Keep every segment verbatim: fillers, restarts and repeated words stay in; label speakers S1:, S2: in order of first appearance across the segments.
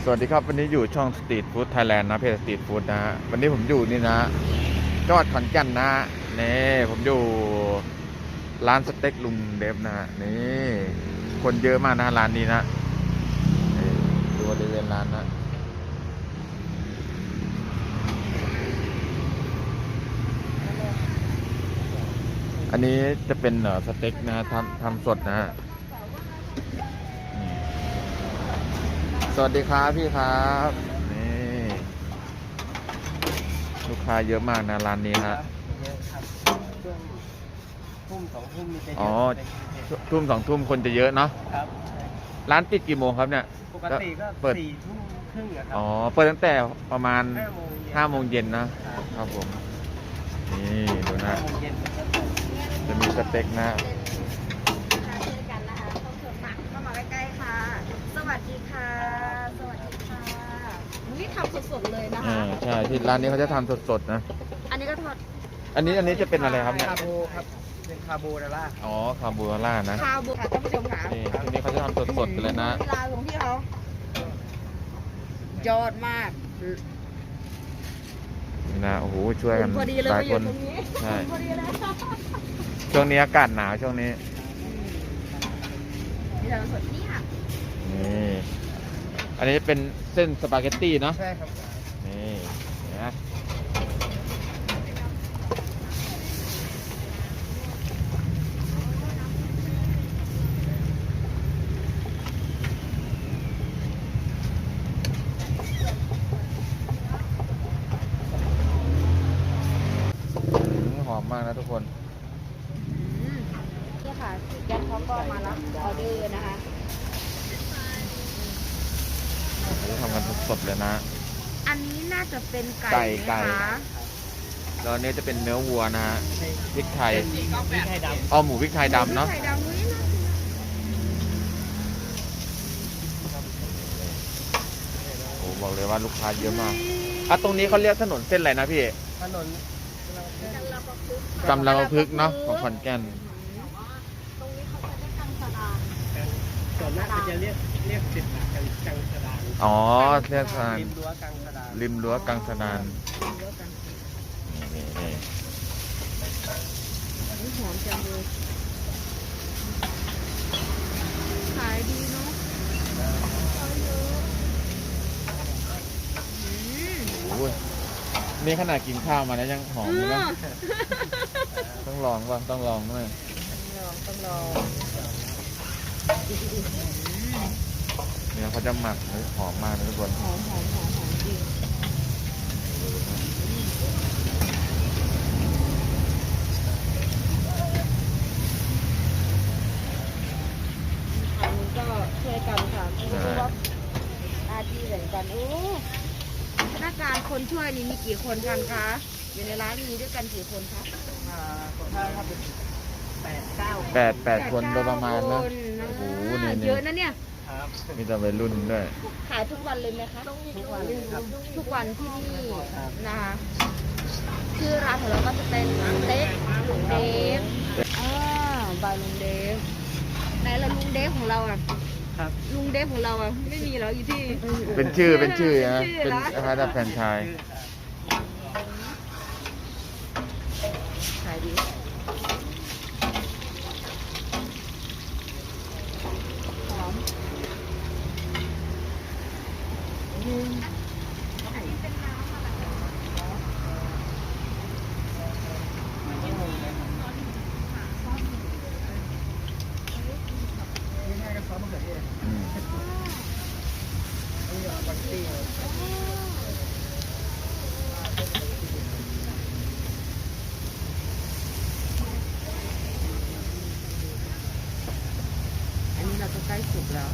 S1: สวัสดีครับวันนี้อยู่ช่องสตรีทฟู้ดไทยแลนด์นะเพจสตรีทฟู้ดนะฮะวันนี้ผมอยู่นี่นะจังหวัดขอนแก่นนะนี่ผมอยู่ร้านสเต็กลุงเดฟนะฮะนี่คนเยอะมากนะร้านนี้นะนี่ดูบริเวณร้านนะอันนี้จะเป็นเอ่อสเต็กนะทำทำสดนะฮะสวัสดีครับพี่ครับนี่ลูกค้าเยอะมากนะร้านนี้ฮะ
S2: เยอะครับช่วงทุ่มสองทุ่มมีจะเย
S1: อ๋อ
S2: อะ
S1: ทุ่มสองทุ่มคนจะเยอะเนาะ
S2: ครับ
S1: ร้านปิดกี่โมงครับเนี่ย
S2: ปกติก็
S1: เปิด
S2: สี่ทุ่มครึ่งอะครั
S1: อ๋อเปิดตั้งแต่ประมาณ
S2: ห้าโมงเย็น
S1: ห้าโมงเย็นนะครับ ครับผมนี่ดูนะ
S2: ห้าโมงเย็นก็เปิด
S1: จะมีสเต็กนะ
S3: เช่นกันนะคะต้องเถิดหนักเข้ามาใกล้ๆค่ะ สวัสดีค่ะ สวัสดีค่ะนี่ทำสดๆเลยนะ
S1: อ่า
S3: คะ
S1: ใช่ที่ร้านนี้เขาจะทำสดๆนะ
S3: อันนี้ก็ทอด
S1: อันนี้อันนี้จะเป็นอะไรครับเนี่ย
S2: คาโบครับเป็นคาโบนาร่า
S1: อ๋อคาโบนาร่านะ
S3: คาวบุค่ะท่านผู้ชมค่ะ
S1: นี่ที่นี่เขาจะทำสดๆกันเลยนะ
S3: เวลาของพี่เขายอดมาก
S1: นี่นะโอ้โหช่วยกัน
S3: พอดีเลย
S1: หลาย
S3: มาอ
S1: ค
S3: ยู่
S1: น
S3: ตรงนี้
S1: ใช่
S3: พอดีเลย
S1: ช่วงนี้อากาศหนาวช่วงนี้
S3: นี่เราสดนี่ค่ะ
S1: นี่อันนี้เป็นเส้นสปาเกตตี้เนาะ
S2: ใช่ครับ
S1: นี่นะ หอมมากนะทุกคน
S3: อืมนี่ค่ะแก๊สเขาก็มารับออเดอร์นะคะ
S1: เขาจะทำกันสดๆเลยนะ
S3: อันนี้น่าจะเป็นไก่
S1: ไก่
S3: ไหม
S1: ไก่
S3: คะ
S1: แล้วอันนี้จะเป็นเนื้อวัวนะฮะพริกไทย
S2: เป็นพริกไทยดำ
S1: อ๋อหมูพริกไทยดำเนาะ
S3: ไข่ดำอุ้ยน่ากินอะ
S1: โอ้บอกเลยว่าลูกค้าเยอะมากอ่ะตรงนี้เขาเรียกถนนเส้นอะไรนะพี่
S2: ถนน
S1: กำลังพึกษ์เนาะของขอนแก่น
S3: ตรงนี้เขาจะได้กังสดาน
S2: ส่วนมากจะเรียกเรียกติดปากกันกังสดาน
S1: อ๋อเรียกทาง
S2: ริมรั้วกังสดาน
S1: ริมรั้วกังสดาน
S3: เยอะกัน
S1: นี่นี่
S3: นี่หอมจังเลยขายดีเนาะขายเยอะอืม
S1: โอ้ยนี่ขนาดกินข้าวมาแล้วยังหอมเลยนะ
S3: เออ
S1: ต้องลองว่ะต้องลองด้วย
S3: ต้องลองต้องลอง
S1: เนี่ยเขาจะหมักให้หอมมากนะทุกคน
S3: หอมหอมหอมหอมจริงทางนู้นก็ช่วยกันค่ะไม่รู้ว่าหน้าที่แบ่งกันโอ้พนักงานคนช่วยนี่มีกี่คนกันคะ อยู่ในร้านมีด้วยกันกี่คนคะ
S2: อ่าถ้าถ้าเป็นแปดเก้า
S1: แปดแปดคนโดยประมาณนะ
S3: แปด
S1: โอ้
S3: เก้า
S1: โห
S3: คน
S1: นี่
S3: เยอะนะเนี่ย
S2: ครับ
S1: มีแต่วัยรุ่นด้วย
S3: ขายทุกวันเลยไหมคะ
S2: ทุกวันครับ
S3: ทุกวันที่นี่นะคะชื่อร้านของเราก็จะเป็นสเต็กลุงเดฟอ่าบายลุงเดฟไหนละลุงเดฟของเราอ่ะ
S2: ครับ
S3: ลุงเดฟของเราอ่ะไม่มีแล้วอยู่ที่
S1: เป็นชื่อเป็นชื่อนะ
S3: ชื่อ
S1: เป็น
S3: เหรอ
S1: คล้ายๆแฟรนไชส์
S3: ขายดีหอมอืม
S2: นี่ให้กับซอสมะเขือเทศ
S1: อืม
S2: นี่เอาบัตตี้
S3: อันนี้เราก็ใกล้สุกแล้ว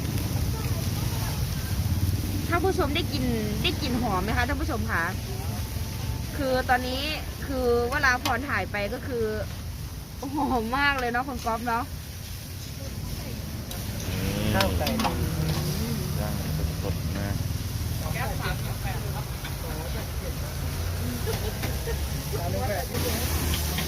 S3: ท่านผู้ชมได้กินได้กลินหอมไหมคะท่านผู้ชมคะคือตอนนี้คือเวลาพรถ่ายไปก็คือหอมมากเลยเนาะคุณก๊อฟเนาะ
S2: ข้าวไก่
S1: ย่างสดๆนะ
S2: ร้านนี้ก็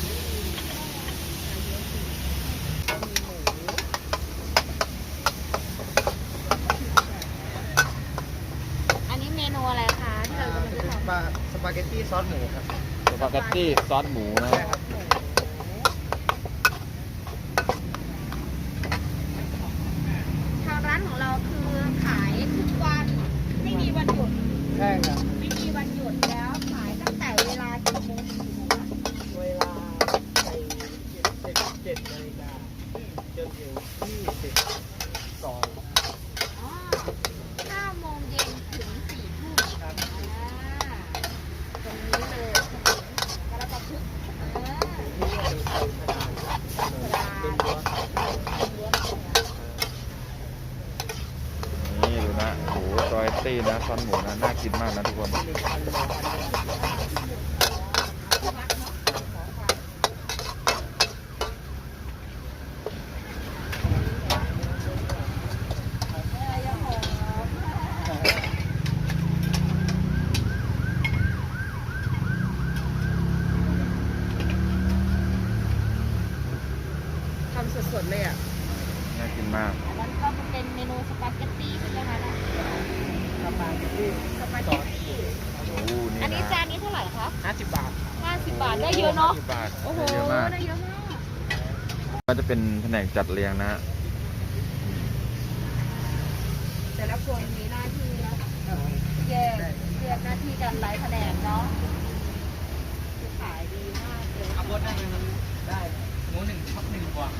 S2: ซอสหมูครับ
S1: สปาเกตตี้ซอสหมูนะ
S2: ใช่ครับ
S3: ทางร้านของเราคือขายทุกวันไม่มีวันหยุด
S2: ใช่ครับ
S3: ไม่มีวันหยุดแล้วขายตั้งแต่เวลากี่โมงถึงกี่โมงคะ
S2: เวลาไปเจ็ดเจ็ดเจ็ดนาฬิกาจนถึงยี่สิบสอง
S3: อ๋อห้าโมงเย็นถึงสี่ทุ่ม
S2: ครับ
S3: อ่าตรงนี้เลยถนนกระประพฤกษ์อ่า
S2: นี่ก็เป็นคนกระดานเป็นรั้ว
S1: นี่ดูนะโอ้โหรอยตี้นะซอสหมูนะน่ากินมากนะทุกคน
S2: หนึ่งพันโลพันโล
S3: ทำสดๆเลยอ่ะ
S1: น่ากินมาก
S3: อันนั้นก็เป็นเมนูสปาเกตตี้ใช่ไหมคะเนี่ย
S2: สปาเกตตี้
S3: สปาเกตตี้
S1: โอ้โหนี่
S3: อันนี้
S1: นะ
S3: จานนี้เท่าไหร่คะ
S2: ห้าสิบบาท
S3: ห้าสิบบาทได้เยอะเนาะ
S1: สิบบาท
S3: โอ้โห
S1: ได้เยอะมาก
S3: ได้เยอะมาก
S1: ก็จะเป็นแผนกจัดเรียงนะ
S3: แต่ละคนมีหน้าที่นะแยกแยกหน้าที่กันหลายแผนกเนาะคือขายดีมากเลย
S2: ขับรถได้ไหมครับได้หมูหนึ่งทับหนึ่งกว่า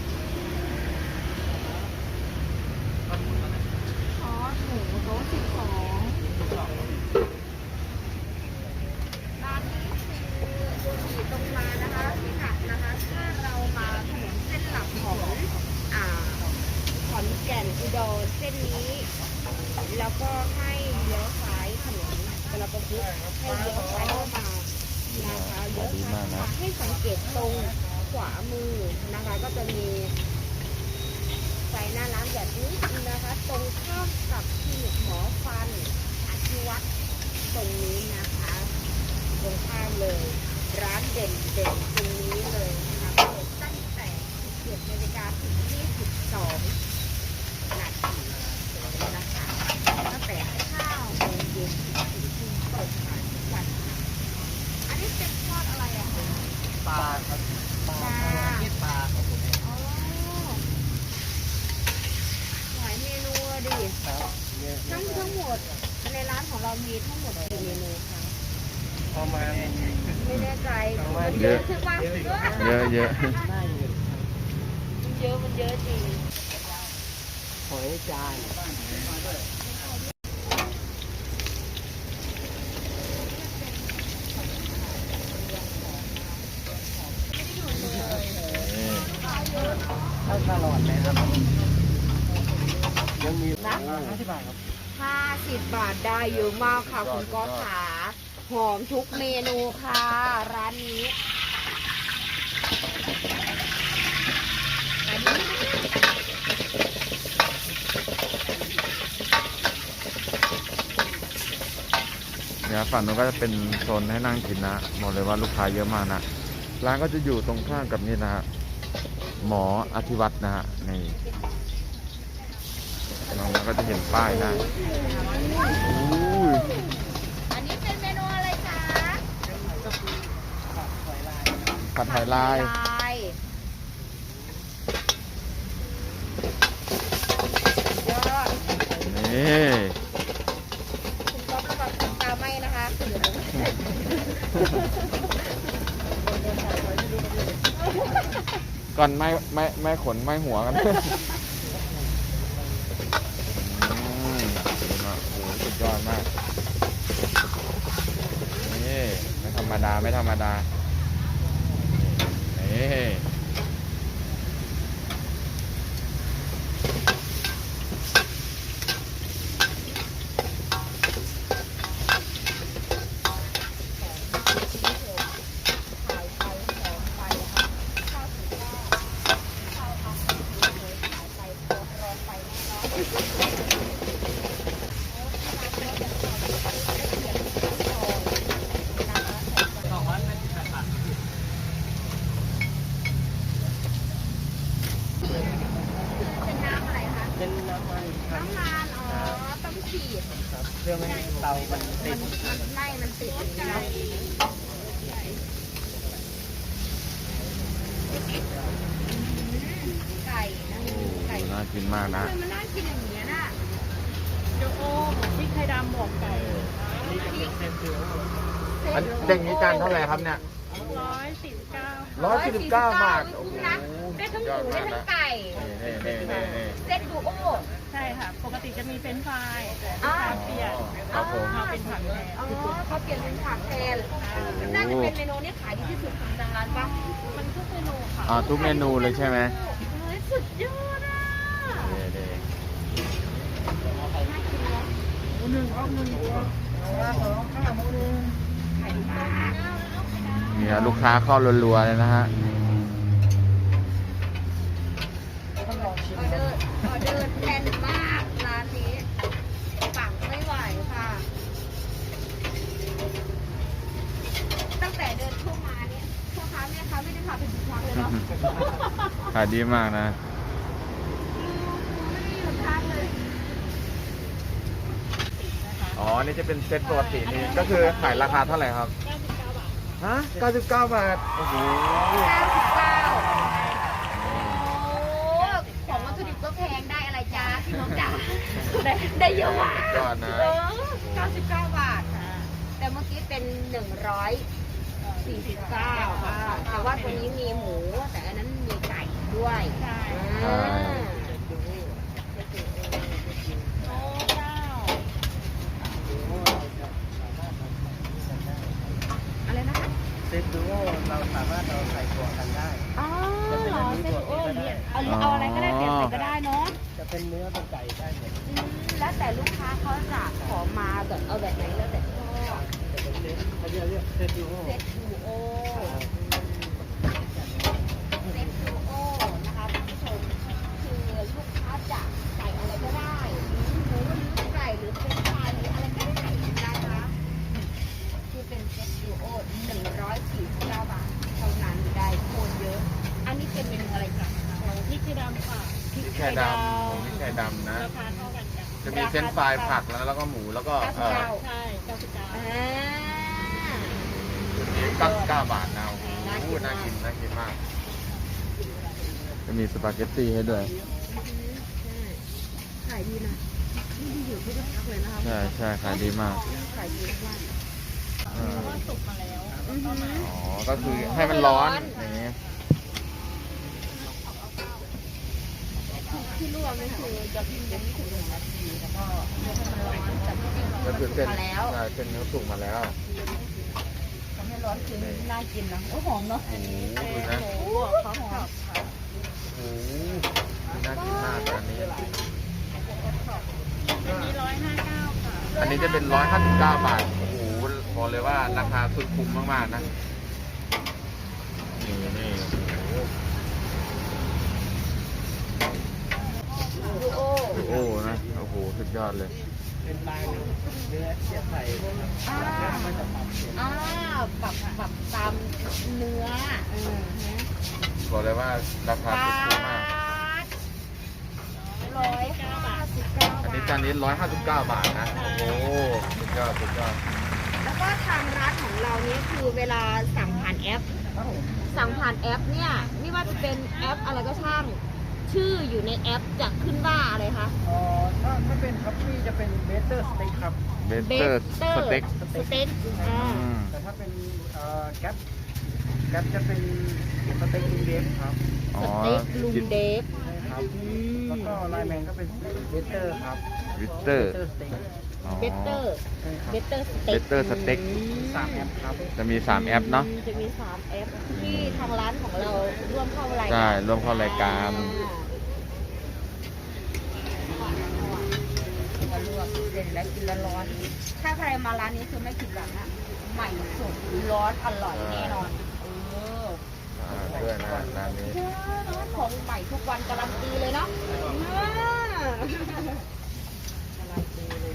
S3: ซอสหมูโต๊ะสิบสองร้านนี้คืออยู่ตรงมานะคะที่ขัดนะคะ ถ้าเรามาถนนเส้นหลักของอ่าขอนแก่นอุดรเส้นนี้ แล้วก็ให้เลี้ยวซ้ายถนนกระประพฤกษ์ให้เลี้ยวซ้ายเข้ามานะคะเลี้ยวซ้ายเข้ามาให้สังเกตตรงขวามือนะคะ ก็จะมีไฟหน้าร้านแบบนี้นะคะ ตรงข้ามกับคลินิกหมอฟันอธิวัตรตรงนี้นะคะ ตรงข้ามเลย ร้านเด่นเด่นตรงนี้เลยนะคะเปิดตั้งแต่สิบเจ็ดนาฬิกาถึงยี่สิบสองนาทีนะคะตั้งแต่ข้าวโมงเย็นถึงสี่ทุ่มเปิดขายทุกวัน อันนี้เป็นทอดอะไรอะคะ
S2: ปลาครับปลาเย็ดปลาครับผม
S3: อ๋อหลายเมนูอะดิ
S2: ครับเยอะ
S3: ทั้งทั้งหมดในร้านของเรามีทั้งหมดกี่เมนูคะ
S2: ประมาณ
S3: ไม่แน่ใจ
S1: เยอะ
S3: ใช่ปะ
S1: เยอะเยอะ
S2: ได้อยู่
S3: มันเยอะมันเยอะจริง
S2: หอยจาน
S1: นี่
S2: ถ้าตลอดเลยครับยังมี
S3: นะ
S2: ห้าสิบบาทครับ
S3: ห้าสิบบาทได้เยอะมากค่ะคุณก๊อฟขาหอมทุกเมนูค่ะ ร้านนี้อันนี้
S1: เนี่ยฝั่งนู้นก็จะเป็นโซนให้นั่งกินนะบอกเลยว่าลูกค้าเยอะมากนะร้านก็จะอยู่ตรงข้ามกับนี่นะฮะหมออธิวัตรนะฮะนี่น้องก็จะเห็นป้ายนะอุ้ย
S3: อันนี้เป็นเมนูอะไรคะ
S1: ผัดหอยลาย
S3: ลายยอด
S1: นี่
S3: คุณก๊อฟระวังตาไหมนะคะเดี๋ยว
S1: ก่อนไม่ไม่ไม่ขนไม่หัวกันอืมดูนะโอ้โหสุดยอดมากนี่ไม่ธรรมดาไม่ธรรมดานี่
S3: ถ่ายไปหอมไปค่ะข้าวถึงก็ข้าวทำเลยถ่ายไปรอรอไปแน่นอนนะคะ
S2: สองร้อยห้าสิบแปดบาท
S3: เป็นน้ำอะไรคะ
S2: เป็นน้ำมันครับ
S3: น้ำมันอ๋อต้องฉีด
S2: ครับเพื่อไม่ให้เตามันติด
S3: มันมันไล่มันติดอย่างนี้เนาะ
S1: กินมากนะ
S3: ทำไมมันน่ากินอย่างเงี้ยน่ะ
S4: โยโอ้พริกไทยดำหมวกไก่
S2: นี่จะเป็นเซนเซอร์
S1: อันเด็กนี้จานเท่าไหร่ครับเนี่ย
S4: ร้อยสี่สิบเก้า
S1: ร้อยสี่สิบเก้าบาท
S3: คุ้มนะได้ทั้งหมูได้ทั้งไก่
S1: นี่นี่นี่นี่
S3: เซตดูโอ
S4: ใช่ค่ะ ปกติจะมีเฟรนช์ฟรายแต่
S3: อ่า
S4: ลูกค้าเปลี่ยน
S1: ครับผม
S4: มาเป็นผักแทน
S3: อ๋อเขาเปลี่ยนเป็นผักแทนน่าจะเป็นเมนูที่ขายดีที่สุดของทางร้านปะ
S4: มันทุกเมนูค่ะ
S1: อ่าทุกเมนูเลยใช่ไหม
S3: เฮ้ยสุดยอดอ่ะ
S1: นี่นี่
S3: น่ากินเนาะ
S2: หนึ่งเอาหนึ่งตัวสองข้าวหมูหนึ่ง
S3: ขายดีมาก
S1: เนี่ยลูกค้าเข้ารัวๆเลยนะฮะ
S2: ต้องลองชิม
S3: ออเดอร์ออเดอร์แน่นมากร้านนี้ปังไม่ไหวค่ะ ตั้งแต่เดินเข้ามาเนี่ยพ่อค้าแม่ค้าไม่ได้พาไปดูทางเลยเนาะ
S1: ขายดีมากนะ
S3: ไม่ได้หยุดทางเลย
S1: อ๋อ นี่จะเป็นเซตปกตินี่ก็คือขายราคาเท่าไหร่ครับ
S4: เก้าสิบเก้าบาท
S1: ฮะ เก้าสิบเก้าบาท โอ้โห
S3: เก้าสิบเก้าโอ้ของวัตถุดิบก็แพงได้อะไรจ้าพี่น้องจ๋าได้ได้เยอะมาก
S1: ยอดนะ
S3: เออเก้าสิบเก้าบาท แต่เมื่อกี้เป็นหนึ่งร้อยสี่สิบเก้าค่ะแต่ว่าตัวนี้มีหมู แต่อันนั้นมีไก่ด้วย
S4: ใช่
S3: อ่า
S4: โอ้เก้า
S3: อะไรนะคะ
S2: เซตดูโอเราสามารถเราใส่ตัวกันได้
S3: อ๋อเหรอเส้นโอ้ยเนี่ยเอาเอาอะไรก็ได้เปลี่ยนใส่ก็ได้เนาะ
S2: จะเป็นเนื้อเป็นไก่ได้หมด
S3: อืมแล้วแต่ลูกค้าเขาจะขอมาแบบเอาแบบไหนแล้วแต่ชอบ
S2: จะเป็นเซตเขาเรียกเรียกเซตดูโอ
S3: เซตดูโอเซตดูโอนะคะท่านผู้ชมคือลูกค้าจะใส่อะไรก็ได้หมูหรือไก่หรือเป็นปลาหรืออะไรก็ได้นะคะคือเป็นเซตดูโอหนึ่งร้อยสี่สิบเก้าบาทเท่านั้นได้โคนเยอะ อันนี้เป็นเมนูอะไรจ๊ะ
S4: โอ้พริกไทยดำค่ะ
S1: พริกไทยดำพริกไทยดำนะ
S4: ราคาเท่ากันจ้ะ
S1: จะมีเส้นฟรายผักแล้วแล้วก็หมูแล้วก็เอ่อ
S4: ใช่เก้าสิบเก้า
S3: อ่า
S1: ชุดนี้เก้าสิบเก้าบาทนะโอ้โหน่ากินน่ากินมาก จะมีสปาเกตตี้ให้ด้วย
S3: ขายดีนะนี่ดีอยู่ทุกพักเลยนะคะ
S1: ใช่ใช่ขายดีมาก
S3: ขายดีมาก
S1: เออ
S4: เพราะว่าสุกมาแล้ว
S3: อือหือ
S1: อ๋อ ก็คือให้มันร้อนอย่างนี้
S3: ที่ลวกนี่คือจะพิมพ์ยังไม่ถึงหนึ่งนาทีแล้วก็ให้มันร้อนแต่ที่จริง
S1: ก็
S3: มัน
S1: คือ
S3: สุ
S1: เส้
S3: ก
S1: น
S3: มาแล้ว
S1: ใช่เส้นเนื้อสุกมาแล้ว
S3: ทำให้ร้อนคือน่ากินนะโอ้หอมเนาะ
S1: โอ้โหดูนะ
S4: โอ้เขาหอมค่ะ
S1: โอ้โหน่ากินมากอันนี้
S4: อันนี้ร้อยห้าเก้าค่ะ
S1: อันนี้จะเป็นร้อยห้าสิบเก้าบาท โอ้โหบอกเลยว่าราคาสุดคุ้มมากๆนะ นี่นี่โอ้โห
S3: ดูโอ
S1: โอ้โหนะ โอ้โห สุดยอดเลย
S2: เป็นลายเนื้อเสียบใส่นะครับ
S3: อ่า
S2: มันจะปรับเปลี่ยน
S3: อ่าปรับปรับตามเนื้อเออฮะ
S1: บอกเลยว่าราคาสุดคุ้มมาก
S3: ร้อยห้าสิบเก้า
S1: อัน
S3: บา
S1: นี้
S3: ท
S1: จานนี้ร้อยห้าสิบเก้าบาทนะ โอ้โห สุดยอด สุดยอด
S3: แล้วก็ทางร้านของเราเนี้คือเวลาสั่งผ่านแอป
S2: ครับผม
S3: สั่งผ่านแอปเนี่ยไม่ว่าจะเป็นแอปอะไรก็ช่าง ชื่ออยู่ในแอปจะขึ้นว่าอะไรคะ
S2: อ๋อถ้าถ้าเป็นคัพปี้จะเป็นเบเตอร์สเต็กครับ
S1: เบเตอร์สเต็ก
S3: สเต็กอ่า
S1: อืม
S2: แต่ถ้าเป็นเอ่อแก๊ปแก๊ปจะเป็นสเต็กลุงเดฟครับ
S1: อ๋อ
S3: สเต็กลุงเดฟ
S2: ใช่ครับ
S3: อืม
S2: แล้วก็ไลน์แมนก็เป็นเบเตอร์ครับ
S1: วิเตอร์
S2: เบเตอร์สเต็ก
S1: อ๋อ
S3: เบเตอร์
S2: ใช่ครับ
S3: เบเตอร์สเต็ก
S1: Better Steak
S2: สามแอปครับ
S1: จะมีสามแอปเนาะ
S3: จะมีสามแอปที่ทางร้านของเราร่วมเข้ารายการ
S1: ใช่ร่วมเข้ารายการ
S3: มาลวกเด่นและกินร้อนๆถ้าใครมาร้านนี้คือไม่ผิดหวังอะใหม่สดร้อนอร่อยแน่นอนเออ
S1: อ่าด้วยนะร้านนี้
S3: เจ้าของใหม่ทุกวันการันตีเลยเนาะอ่าการันตีเลย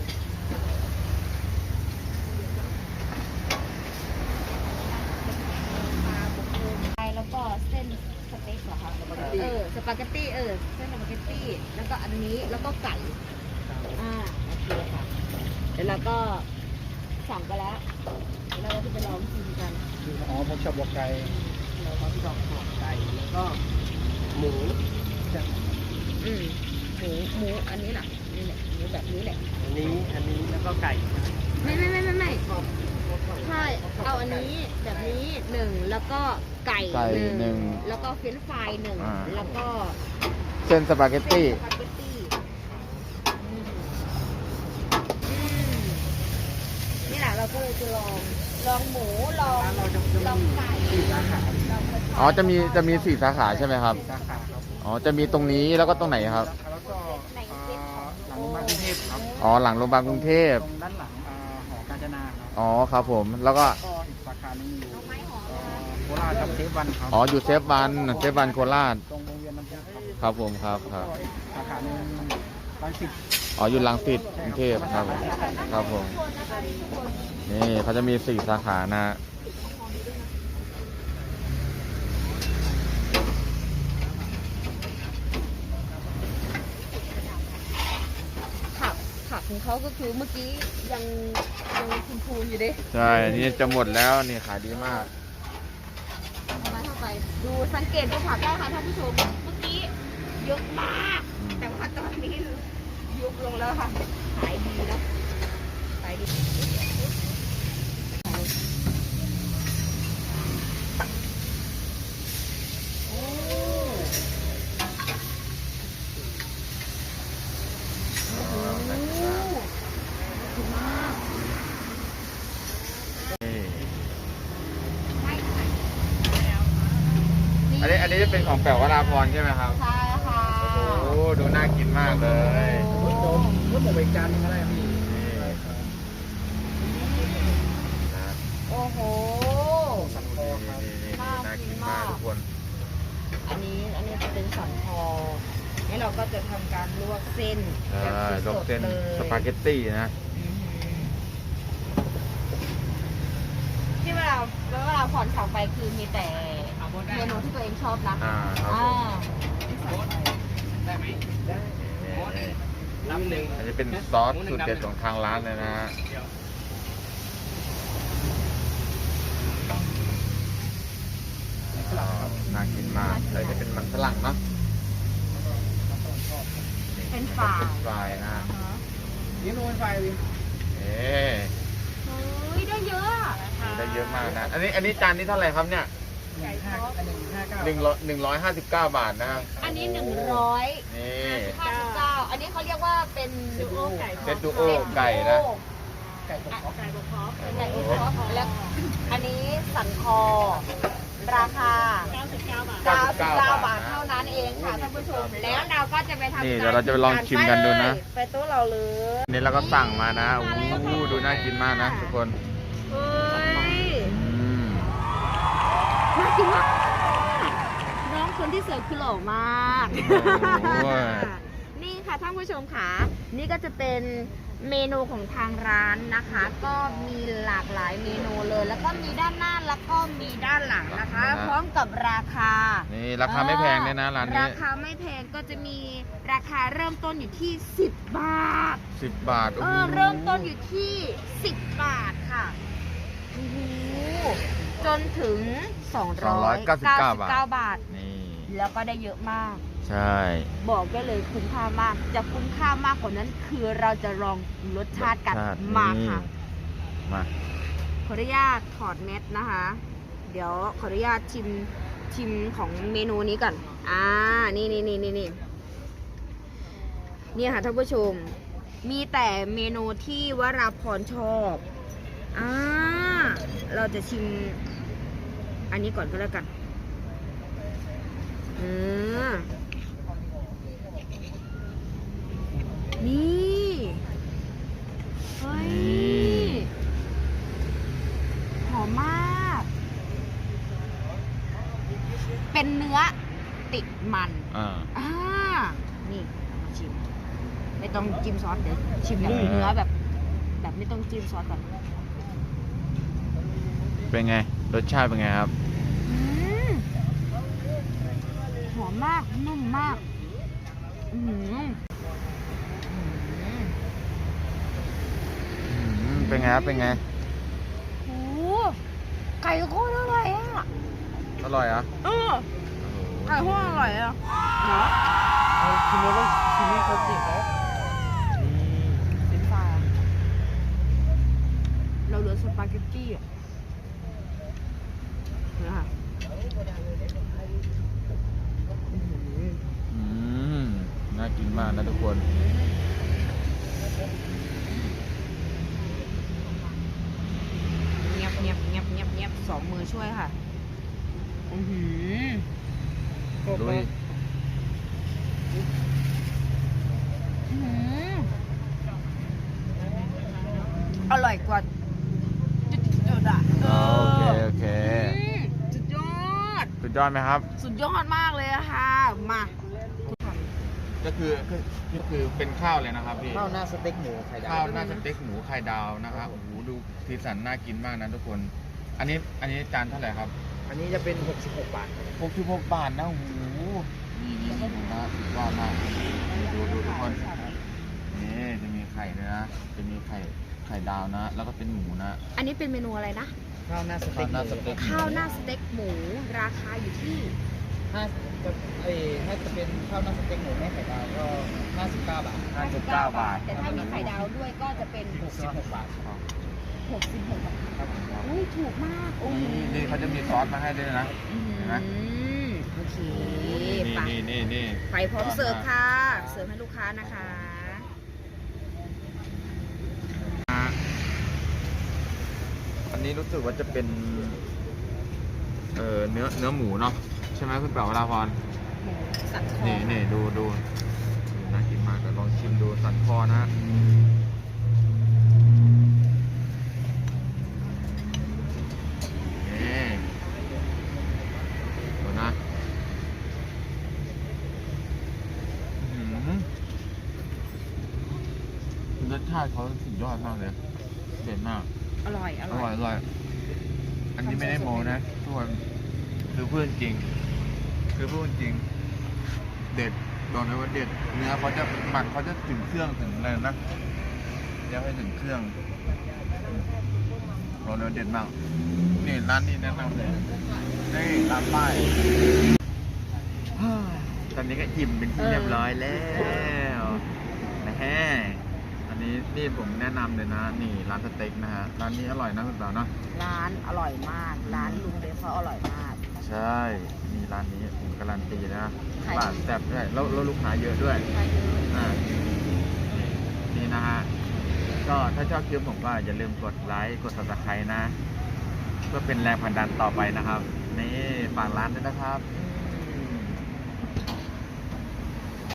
S3: ปลาบุกโลไปแล้วก็เส้นสเต็กเหรอคะเออสปาเกตตี้เออเส้นสปาเกตตี้แล้วก็อันนี้แล้วก็ไก่อ่าโอเคค่ะเดี๋ยวเราก็สั่งไปแล้วเดี๋ยวเราจะไปลองชิมกัน
S2: อ๋อผมชอบบอกไก่เราก็ชอบบอกไก่แล้วก็หมูจะ
S3: อืมมูหมูอันนี้แหละนี่แหละหมูแบบนี้แหละ
S2: อันนี้อันนี้แล้วก็ไก่
S3: ไม่ไม่ไม่ไม่ไม่ใช่เอาอันนี้แบบนี้หนึ่งแล้วก็ไก่
S1: ไก่หนึ่ง
S3: แล้วก็เฟรนช์ฟรายหนึ่ง
S1: อ่า
S3: แล้วก็
S1: เส้นสปาเกต
S3: เส้น
S1: ตี้
S3: สปาเกตตี้อืมอืมนี่แหละเราก็เลยจะลองลองหมูลอง
S2: ร้านเราจะจะ
S3: ลอง
S2: มี
S3: ไก่
S2: สี่สาขา
S3: ลองกระชาย
S1: อ๋อจะมีจะมีสี่สาขาใช่ไหมครับ
S2: สี่สาขาครับ
S1: อ๋อจะมีตรงนี้แล้วก็ตรงไหนครับ
S2: แล้วก็เอ่อหลังโรงพยาบาลกรุงเทพครับ
S1: อ๋อหลังโรงพยาบาลกรุงเทพ
S2: ตรงด้านหลังเอ่อหอกาญจนาครับ
S1: อ๋อครับผมแล้วก็
S2: ก็อีกสาขาหนึงอยู่
S3: เอาไม้หอม
S2: เอ่
S3: นะคะ
S2: อโคราชกับเซฟวันครับ
S1: อ๋ออยู่เซฟวันเซฟวันโคราช
S2: ตรงวงเวียนน้ำพุครับ
S1: ครับผมครับค
S2: แล้
S1: รั
S2: ว
S1: บ
S2: ก็อีกสาขาหนึงรังสิต
S1: อ๋ออยู่ลังสิตกรุงเทพครับผมครับผมนี่เขาจะมีสี่สาขานะฮะ
S3: ผักผักของเขาก็คือเมื่อกี้ยังยังคุณพูนอยู่ดิ
S1: ใช่นี่จะหมดแล้วนี่ขายดีมาก
S3: มาเข้าไปดูสังเกตดูผักได้ค่ะท่านผู้ชมเมื่อกี้เยอะมาก แต่ว่าตอนนี้ยุบลงแล้วค่ะขายดีแล้วขายดีโอ้โหถูกมาก
S1: นี่
S3: ไม่ค่ะ
S1: อันนี้อันนี้จะเป็นของแป๋ววราพรใช่ไหมครับ
S3: ใช่ค่ะ
S1: โอ้โหดูน่ากินมากเลย
S2: รถโดมรถหมกอีกจานหนึงก็ได้พี่
S1: นี่นะ
S3: โอ้โห
S2: สันคอครับ
S1: นี่นี่นี่น่ากินมากทุกคน
S3: อันนี้อันนี้จะเป็นสันคอนี่เราก็จะทำการลวกเส้น
S1: ใช่
S3: แบบ
S1: ลวก
S3: สด
S1: เส้น
S3: ๆเลย
S1: สปาเกตตี้นะ
S3: อือหือที่เวลาเวลาผ่อนสั่งไปคือมีแต่เมนูที่ตัวเองชอบนะ
S1: อ่าครับ
S3: อ่า
S1: ผม
S2: ได้ไหมได้
S1: นี่
S2: น้ำหนึ่ง
S1: อันนี้เป็นซอสสูตรเด็ดของทางร้านเลยนะฮะอ้าวน่ากินมากเลยจะเป็นมันฝรั่งเนาะ
S3: เป็นฝา
S1: เป็นฟรายนะฮะ
S3: อ่าฮะ
S2: นี่โน้นไฟวิน
S1: เอ๊ะ
S3: เฮ้ยได้เยอะอะ
S1: ได้เยอะมากนะ อันนี้อันนี้จานนี้เท่าไหร่ครับเนี่ย
S2: หนึ่งห้าอันหนึ่งห้าเก้า
S1: หนึ่งร้อยหนึ่งร้อยห้าสิบเก้าบาทนะครับ
S3: อันนี้หนึ่งร้อย
S1: นี่
S3: ห้าสิบเก้าอันนี้เขาเรียกว่าเป็น
S2: ดูโอไก่
S1: เซตดูโอไก่นะ
S2: ไก่ตกครอบ
S4: ไก่บกคอฟ
S3: ไก่อบซอสแล้วอันนี้สันคอ ราคา
S4: เก้าสิบเก้าบาท
S3: เก้าสิบเก้าบาทเท่านั้นเองค่ะท่านผู้ชม แล้วเราก็จะไปทำ
S1: นี่เดี๋ยวเราจะไปลองชิมกันดูนะ
S3: ไปโต๊ะเราเลย
S1: นี่เราก็สั่งมานะโอ้โหดูน่ากินมากนะทุกคน
S3: เฮ้ย
S1: อืม
S3: น่ากินมากน้องคนที่เสิร์ฟคือหล่อมาก
S1: โอ้ย
S3: นี่ค่ะท่านผู้ชมค่ะนี่ก็จะเป็นเมนูของทางร้านนะคะ ก็มีหลากหลายเมนูเลย แล้วก็มีด้านหน้าแล้วก็มีด้านหลังนะคะ พร้อมกับราคา
S1: นี่ราคาไม่แพงเลยนะร้านนี้
S3: ราคาไม่แพงก็จะมีราคาเริ่มต้นอยู่ที่สิบบาท
S1: สิบบาท
S3: เออเริ่มต้นอยู่ที่สิบบาทค่ะโอ้โหจนถึงสองร้อยเก้าสิบเก้าบาท
S1: นี่
S3: แล้วก็ได้เยอะมาก
S1: ใช่
S3: บอกได้เลยคุ้มค่ามาก จะคุ้มค่ามากกว่านั้นคือเราจะลองรสชาติกัน
S1: รสชติ
S3: มาค่ะ
S1: นี่มา
S3: ขออนุญาตถอดเม็ดนะคะ เดี๋ยวขออนุญาตชิมชิมของเมนูนี้ก่อน อ่า นี่นี่นี่นี่นี่นี่ค่ะท่านผู้ชม มีแต่เมนูที่วราพรชอบ อ่า เราจะชิม อันนี้ก่อนก็แล้วกันอืมนี่เฮ้ย หอมมาก เป็นเนื้อติดมัน
S1: อ่า
S3: อ่า นี่มาชิม ไม่ต้องจิ้มซอสเดี๋ยวชิมแบบ
S1: อืม
S3: เนื้อแบบ แบบไม่ต้องจิ้มซอสก่อน
S1: เป็นไงรสชาติเป็นไงครับ
S3: อืมหอมมาก นุ่มมาก อือหืออืม
S1: อืมเป็นไงครับเป็นไง
S3: โอ้โหไก่โคตรอร่อยอ่ะ
S1: อร่อยเหรอ่ะ
S3: เออไก่โคตรอร่อยอ่ะเหรอ
S1: อ
S2: เอาชิมแล้วต้องชิมให้ครบสิครับนี่
S3: เป็นปลาเราเหลือสปาเกตตี้อ่ะนะคะอื้อหือ
S1: อืมน่ากินมากนะทุกคน
S3: เงียบเงียบเงียบเงียบเงียบสองมือช่วยค่ะ อือหือ
S2: ครบ
S1: ลุ
S2: ไหม
S1: ย
S3: อื้อหืออร่อยกว่าจุดๆอ่ะ
S1: อ๋อโอเคโอเค
S3: อืมสุดยอด
S1: สุดยอดไหมครับ
S3: สุดยอดมากเลยอะค่ะ มาทุกคน
S1: ก็คือก็ก็คือเป็นข้าวเลยนะครับพี่
S2: ข้าวหน้าสเต็กหมูไข่ดาว
S1: ข้าวหน้าสเต็กหมูไข่ดาวนะครับโอ้โหดูสีสันน่ากินมากนะทุกคน อันนี้อันนี้จานเท่าไหร่ครับ
S2: อันนี้จะเป็นหกสิบหกบาทครับ
S1: หกสิบหกบาทนะโอ้โหนี่นี่นี่ดูนะสุดยอดมากดูดูทุกคนนี่จะมีไข่ด้วยนะจะมีไข่ไข่ดาวนะ แล้วก็เป็นหมูนะ
S3: อันนี้เป็นเมนูอะไรนะ
S2: ข้าวหน้าสเต็ก
S1: ข้าวหน้าสเต็ก
S3: ข้าวหน้าสเต็กหมู ราคาอยู่ที่
S2: ถ้าจะเอ้ยถ้าจะเป็นข้าวหน้าสเต็กหมูไม่ไข่ดาวก็ห้าสิบเก้าบาท
S1: ห้าสิบเก้าบาท
S3: แต่ถ้ามีไข่ดาวด้วยก็จะเป็น
S2: หกสิบหกบาท
S3: หกสิบหกบาท
S2: ครับ
S3: อุ้ยถูกมากโอ้โห
S1: นี่นี่เขาจะมีซอสมาให้ด้วยนะ
S3: อื
S1: เห็นไหม
S3: มโอเค
S1: นี่
S3: ไป
S1: นี่นี่นี่
S3: ไปพร้อมเสิร์ฟค่ะ เสิร์ฟให้ลูกค้านะคะ
S1: อันนี้รู้สึกว่าจะเป็นเอ่อเนื้อเนื้อหมูเนาะใช่ไหมคุณเป๋าวราพร
S3: หมูสันคอ
S1: นี่นี่ดูดูน่ากินมากเดี๋ยวลองชิมดูสันคอนะนี่ดูนะอื้อหือรสชาติเขาสุดยอดมากเลยเด็ดมาก
S3: อร่อย อ
S1: อ
S3: ร่
S1: ร่
S3: อ
S1: อย ยอร่อย อันนี้ไม่ได้โมนะทุกคนคือพูดจริง คือพูดจริง เด็ดบอกเลยว่าเด็ด เนื้อเขาจะหมักเขาจะถึงเครื่องถึงอะไรนะเดี๋ยวให้ถึงเครื่องบอกเลยว่าเด็ดมาก นี่ร้านนี้แนะนำเลยนี่ร้านป้ายตอนนี้ก็อิ่มเป็นที่เรียบร้อยแล้วนะฮะอันนี้นี่ผมแนะนำเลยนะ นี่ร้านสเต็กนะฮะ ร้านนี้อร่อยนะคุณสาวเนาะ
S3: ร้านอร่อยมาก ร้านลุงเดฟเขาอร่อยมาก
S1: ใช่ มีร้านนี้ผมการันตีนะ
S3: ขาย
S1: บาทแซ่บด้วยแล้วแล้วลูกค้าเยอะด้วย
S3: ใช่เลย
S1: อ่านี่นี่นะฮะ ก็ถ้าชอบคลิปผมก็อย่าลืมกดไลค์ กด ซับสไครบ์ นะ เพื่อเป็นแรงผลักดันต่อไปนะครับ นี่ฝากร้านด้วยนะครับ
S3: อื